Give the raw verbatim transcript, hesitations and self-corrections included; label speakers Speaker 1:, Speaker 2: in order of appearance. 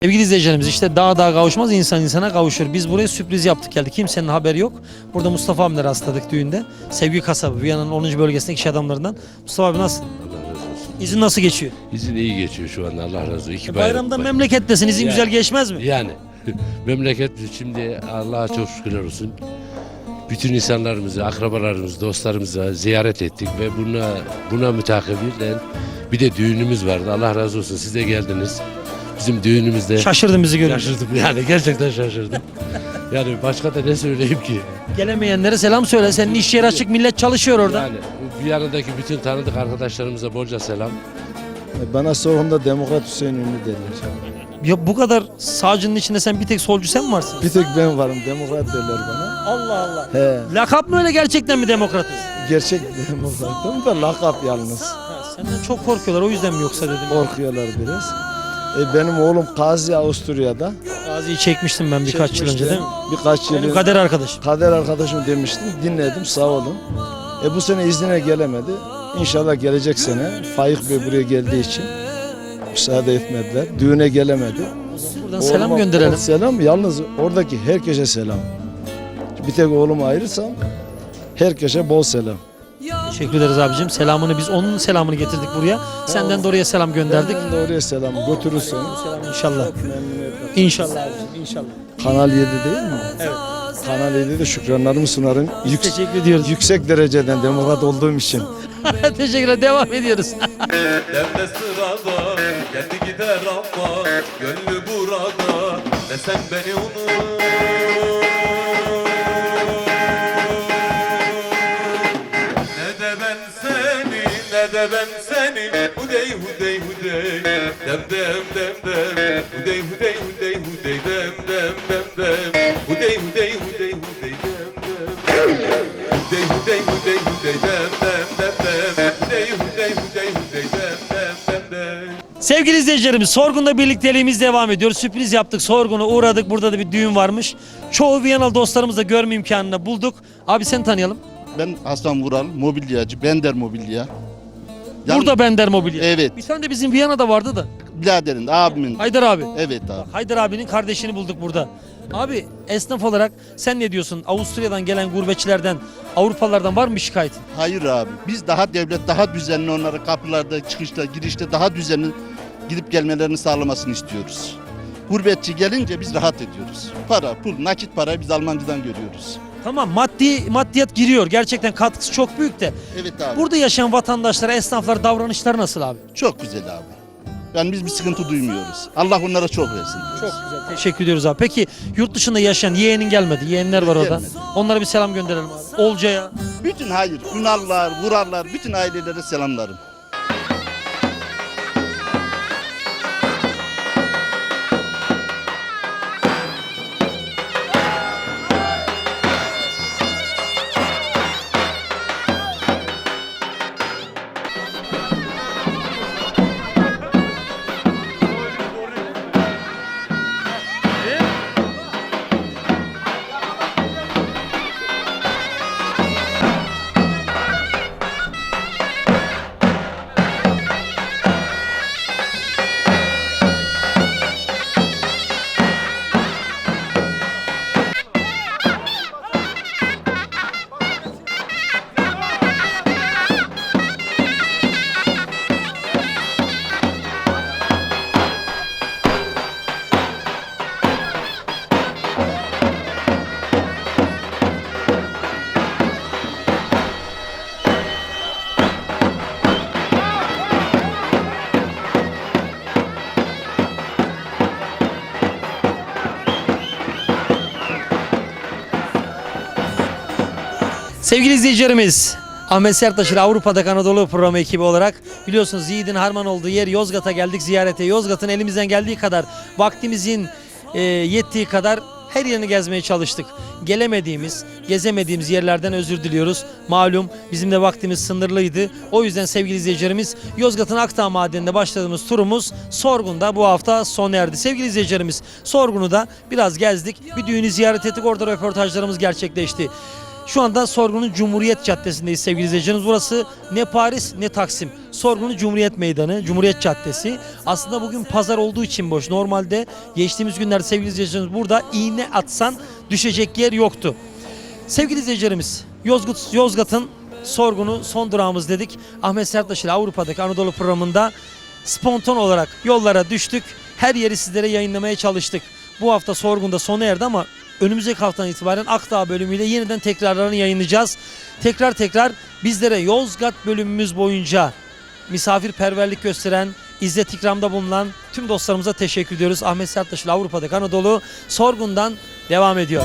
Speaker 1: Sevgili izleyicilerimiz, işte dağ dağa kavuşmaz, insan insana kavuşur. Biz buraya sürpriz yaptık geldik. Kimsenin haberi yok. Burada Mustafa abimle rastladık düğünde. Sevgi kasabı, Viyana'nın onuncu bölgesindeki iş adamlarından. Mustafa abi nasıl?
Speaker 2: Allah razı olsun.
Speaker 1: İzin nasıl geçiyor?
Speaker 2: İzin iyi geçiyor şu anda, Allah razı olsun. İki
Speaker 1: E bayramda
Speaker 2: bayram-
Speaker 1: memlekettesin, izin
Speaker 2: Yani.
Speaker 1: güzel geçmez mi?
Speaker 2: Yani memleket şimdi Allah'a çok şükürler olsun. Bütün insanlarımızı, akrabalarımızı, dostlarımızı ziyaret ettik ve buna buna mütakabilen bir de düğünümüz vardı. Allah razı olsun, siz de geldiniz. Bizim düğünümüzde
Speaker 1: Şaşırdın bizi görünce.
Speaker 2: şaşırdım yani, gerçekten şaşırdım. Yani başka da ne söyleyeyim ki?
Speaker 1: Gelemeyenlere selam söyle. Senin iş yeri açık, millet çalışıyor orada.
Speaker 2: Yani Viyana'daki bütün tanıdık arkadaşlarımıza bolca selam.
Speaker 3: Bana sorunda Demokrat Hüseyin Ünlü derler.
Speaker 1: Ya bu kadar sağcının içinde sen bir tek solcu sen mi varsın?
Speaker 3: Bir tek ben varım, Demokrat derler bana.
Speaker 1: Allah Allah.
Speaker 3: He,
Speaker 1: Lakap mı öyle, gerçekten mi demokratız?
Speaker 3: gerçek Demokratım da lakap yalnız.
Speaker 1: Ha, senden çok korkuyorlar, o yüzden mi yoksa dedim.
Speaker 3: Korkuyorlar biraz. E, benim oğlum Gazi Avusturya'da.
Speaker 1: Gazi'yi çekmiştim ben birkaç yıl önce
Speaker 3: Çekmişti.
Speaker 1: değil mi?
Speaker 3: Birkaç yıl
Speaker 1: Benim
Speaker 3: önce.
Speaker 1: kader arkadaşım.
Speaker 3: Kader arkadaşım demiştim, dinledim, sağ olun. E, bu sene iznine gelemedi. İnşallah gelecek sene Faik Bey buraya geldiği için müsaade etmediler. Düğüne gelemedi.
Speaker 1: Buradan selam
Speaker 3: Oğluma-
Speaker 1: gönderelim.
Speaker 3: Selam, yalnız oradaki herkese selam. Bir tek oğlumu ayırırsam herkese bol selam.
Speaker 1: Teşekkür ederiz abicim. Selamını biz onun selamını getirdik buraya. Senden de oraya selam gönderdik.
Speaker 3: Ben de oraya selam götürürsün.
Speaker 1: İnşallah. İnşallah abicim, inşallah.
Speaker 3: Kanal yedi değil mi?
Speaker 1: Evet.
Speaker 3: Kanal yedide şükranlarımı sunarım. Yük,
Speaker 1: Teşekkür ediyoruz.
Speaker 3: yüksek dereceden demokrat olduğum için.
Speaker 1: Teşekkürler. Devam ediyoruz.
Speaker 4: Devre sırada geldi gider ama gönlü burada desem beni unut. Ne de ben seni ne de ben seni hudey hudey hudey dem dem dem dem hudey hudey hudey hudey dem dem dem dem hudey hudey hudey hudey dem dem hudey hudey hudey hudey dem dem dem dem hudey hudey hudey hudey dem dem dem dem.
Speaker 1: Sevgili izleyicilerimiz, Sorgun'da birlikteliğimiz devam ediyor. Sürpriz yaptık, Sorgun'a uğradık. Burada da bir düğün varmış. Çoğu Viyanalı dostlarımızı da görme imkanını bulduk. Abi seni tanıyalım.
Speaker 5: Ben Hasan Vural, mobilyacı, Bender Mobilya. Yan-
Speaker 1: Burada Bender Mobilya.
Speaker 5: Evet,
Speaker 1: Bir tane de bizim Viyana'da vardı da.
Speaker 5: biraderin, abimin.
Speaker 1: Haydar abi.
Speaker 5: Evet abi.
Speaker 1: Haydar abinin kardeşini bulduk burada. Abi esnaf olarak sen ne diyorsun? Avusturya'dan gelen gurbetçilerden, Avrupalılardan var mı bir şikayetin?
Speaker 5: Hayır abi. Biz daha devlet daha düzenli onlara kapılarda, çıkışta, girişte daha düzenli gidip gelmelerini sağlamasını istiyoruz. Gurbetçi gelince biz rahat ediyoruz. Para, pul, nakit parayı biz Almancıdan görüyoruz.
Speaker 1: Tamam, maddi maddiyat giriyor. Gerçekten katkısı çok büyük de.
Speaker 5: Evet abi.
Speaker 1: Burada yaşayan vatandaşlara, esnaflar davranışları nasıl abi?
Speaker 5: Çok güzel abi. Yani biz bir sıkıntı duymuyoruz. Allah onlara çok versin diyoruz.
Speaker 1: Çok güzel. Teşekkür ediyoruz abi. Peki yurt dışında yaşayan yeğenin gelmedi. Yeğenler var orada.
Speaker 5: Gelmedi.
Speaker 1: Onlara bir selam gönderelim abi. Olcay'a.
Speaker 5: Bütün hayır, Ünallar, Vurarlar, bütün ailelere selamlarım.
Speaker 1: Sevgili izleyicilerimiz, Ahmet Sertaş'ın Avrupa'da Anadolu programı ekibi olarak biliyorsunuz Yiğit'in harman olduğu yer Yozgat'a geldik ziyarete. Yozgat'ın elimizden geldiği kadar, vaktimizin e, yettiği kadar her yerini gezmeye çalıştık. Gelemediğimiz, gezemediğimiz yerlerden özür diliyoruz. Malum bizim de vaktimiz sınırlıydı. O yüzden sevgili izleyicilerimiz, Yozgat'ın Akdağ Madeni'nde başladığımız turumuz Sorgun'da bu hafta sona erdi. Sevgili izleyicilerimiz, Sorgun'u da biraz gezdik. Bir düğünü ziyaret ettik. Orada röportajlarımız gerçekleşti. Şu anda Sorgun'un Cumhuriyet Caddesi'ndeyiz sevgili izleyicilerimiz. Burası ne Paris ne Taksim. Sorgun'un Cumhuriyet Meydanı, Cumhuriyet Caddesi. Aslında bugün pazar olduğu için boş. Normalde geçtiğimiz günlerde sevgili izleyicilerimiz burada iğne atsan düşecek yer yoktu. Sevgili izleyicilerimiz, Yozgat, Yozgat'ın Sorgun'u son durağımız dedik. Ahmet Serttaş ile Avrupa'daki Anadolu programında spontan olarak yollara düştük. Her yeri sizlere yayınlamaya çalıştık. Bu hafta Sorgun'da sona erdi ama önümüzdeki haftadan itibaren Akdağ bölümüyle yeniden tekrarlarını yayınlayacağız. Tekrar tekrar bizlere Yozgat bölümümüz boyunca misafirperverlik gösteren, İzzet ikramda bulunan tüm dostlarımıza teşekkür ediyoruz. Ahmet Serttaş ile Avrupa'daki Anadolu Sorgun'dan devam ediyor.